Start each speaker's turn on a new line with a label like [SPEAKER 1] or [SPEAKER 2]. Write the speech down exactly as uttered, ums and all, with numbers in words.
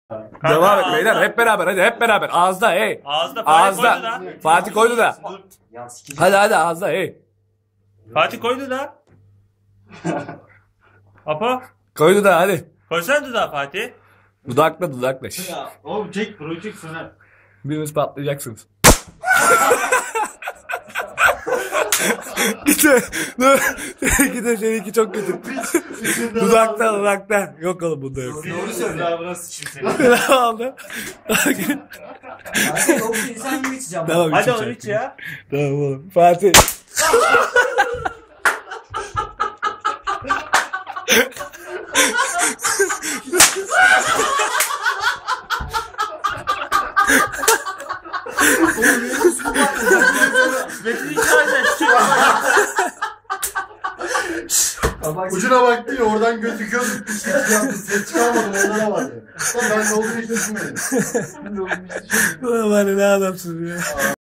[SPEAKER 1] Devam et beyler, hep beraber, hadi hep beraber. Ağızda hey.
[SPEAKER 2] Ağızda Fatih koydu
[SPEAKER 1] Ağızda.
[SPEAKER 2] da.
[SPEAKER 1] Fatih koydu da. Hadi hadi ağızda hey.
[SPEAKER 2] Fatih koydu da. Apo.
[SPEAKER 1] Koydu da hadi.
[SPEAKER 2] Koysana dudağı Fatih.
[SPEAKER 1] Dudakla dudakla. Şşş.
[SPEAKER 3] Ya oğlum çek burayı çek sana.
[SPEAKER 1] Biriniz patlayacaksınız. Gide. Gide seninki çok kötü. Dudakta dudakta. Yok oğlum bunda yok.
[SPEAKER 3] Doğru söyle. Daha burası sıçayım seni.
[SPEAKER 1] Ne oldu?
[SPEAKER 4] Hadi oğlum insan gibi içeceğim.
[SPEAKER 1] Tamam,
[SPEAKER 2] Hadi
[SPEAKER 1] içeceğim.
[SPEAKER 2] oğlum iç ya.
[SPEAKER 1] Tamam oğlum. Fatih.
[SPEAKER 2] Metin içeride.
[SPEAKER 3] Ucuna baktı ya oradan gözüküyordu. Ses çıkarmadım ondan var ya. Ben de olduğunu hiç düşünmedim.
[SPEAKER 1] Ulan var ya, ne adamsın ya.